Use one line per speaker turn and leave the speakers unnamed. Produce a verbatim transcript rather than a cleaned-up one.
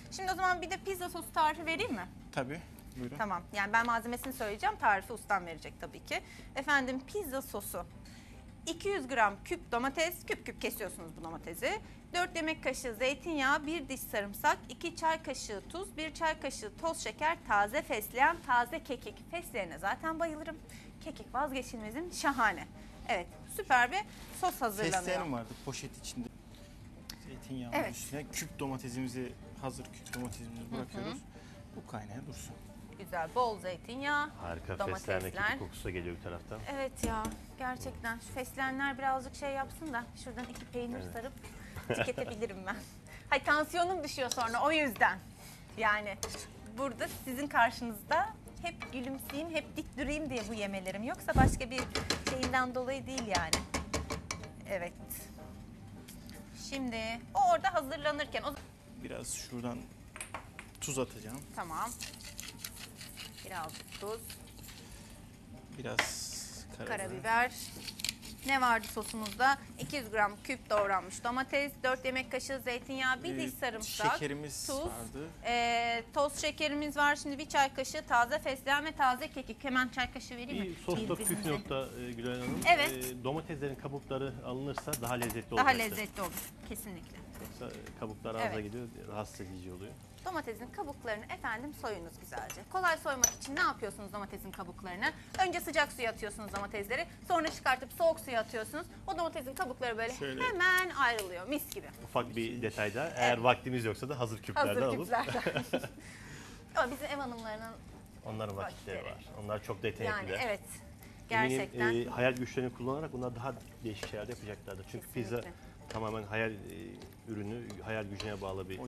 Şimdi o zaman bir de pizza sosu tarifi vereyim mi?
Tabii. Buyurun.
Tamam. Yani ben malzemesini söyleyeceğim. Tarifi ustam verecek tabii ki. Efendim pizza sosu. iki yüz gram küp domates, küp küp kesiyorsunuz bu domatesi. dört yemek kaşığı zeytinyağı, bir diş sarımsak, iki çay kaşığı tuz, bir çay kaşığı toz şeker, taze fesleğen, taze kekik. Fesleğene zaten bayılırım. Kekik vazgeçilmezim, şahane. Evet, süper bir sos hazırlanıyor.
Fesleğen vardı poşet içinde. Zeytinyağı
Evet.
üstüne küp domatesimizi, hazır küp domatesimizi bırakıyoruz. Bu kaynaya dursun.
Güzel, bol zeytinyağı,
Harika,
domatesler.
fesleğen kekik kokusu da geliyor bir taraftan.
Evet ya, gerçekten şu fesleğenler birazcık şey yapsın da şuradan iki peynir
Evet.
sarıp tüketebilirim ben. Hay tansiyonum düşüyor sonra o yüzden. Yani burada sizin karşınızda hep gülümseyeyim, hep dik durayım diye bu yemelerim. Yoksa başka bir şeyinden dolayı değil yani. Evet. Şimdi o orada hazırlanırken o
Biraz şuradan tuz atacağım.
tamam. Biraz tuz,
Biraz karabiber.
karabiber. Ne vardı sosumuzda? iki yüz gram küp doğranmış domates, dört yemek kaşığı zeytinyağı, bir
Ee,
diş sarımsak,
şekerimiz
tuz,
vardı.
e, toz şekerimiz var. Şimdi bir çay kaşığı taze fesleğen ve taze kekik. Hemen çay kaşığı vereyim mi?
Bir sosta püf
Birbirimize.
nokta e, Gülay Hanım.
Evet.
E, domateslerin kabukları alınırsa daha lezzetli
Daha
olacaktır.
lezzetli olur. Kesinlikle.
Yoksa kabuklar ağza
Evet.
gidiyor, rahatsız edici oluyor.
Domatesin kabuklarını efendim soyunuz güzelce. Kolay soymak için ne yapıyorsunuz domatesin kabuklarını? Önce sıcak suya atıyorsunuz domatesleri. Sonra çıkartıp soğuk suya atıyorsunuz. O domatesin kabukları böyle
Şöyle.
hemen ayrılıyor. Mis gibi.
Ufak bir detayda, eğer
Evet.
vaktimiz yoksa da hazır küplerden
Hazır
alıp
küplerden. Ama bizim ev hanımlarının
onların vakitleri
Vakitleri.
var. Onlar çok
yani
yetenekliler.
evet gerçekten
Eminim e, hayal güçlerini kullanarak bunlar daha değişik şeyler de yapacaklardır. Çünkü pizza
Kesinlikle.
tamamen hayal e, ürünü, hayal gücüne bağlı bir